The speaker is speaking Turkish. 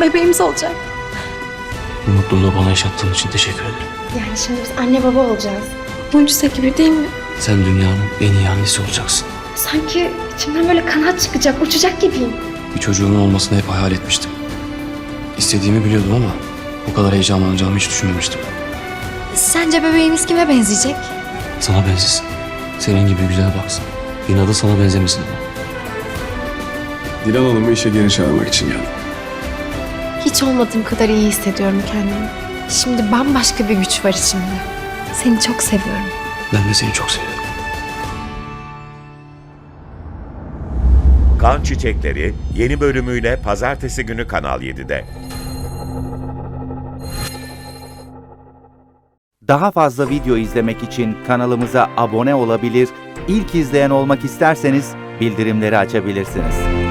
bebeğimiz olacak. Bu mutluluğu bana yaşattığın için teşekkür ederim. Yani şimdi biz anne baba olacağız. Mucize gibi değil mi? Sen dünyanın en iyi annesi olacaksın. Sanki içimden böyle kanat çıkacak, uçacak gibiyim. Bir çocuğumun olmasını hep hayal etmiştim. İstediğimi biliyordum ama bu kadar heyecanlanacağımı hiç düşünmemiştim. Sence bebeğimiz kime benzeyecek? Sana benzesin. Senin gibi güzel baksın. İnadı sana benzemesin ama. Dilan Hanım'ı işe geri çağırmak için geldim. Hiç olmadığım kadar iyi hissediyorum kendimi. Şimdi bambaşka bir güç var içimde. Seni çok seviyorum. Ben de seni çok seviyorum. Kan Çiçekleri yeni bölümüyle pazartesi günü Kanal 7'de. Daha fazla video izlemek için kanalımıza abone olabilir, ilk izleyen olmak isterseniz bildirimleri açabilirsiniz.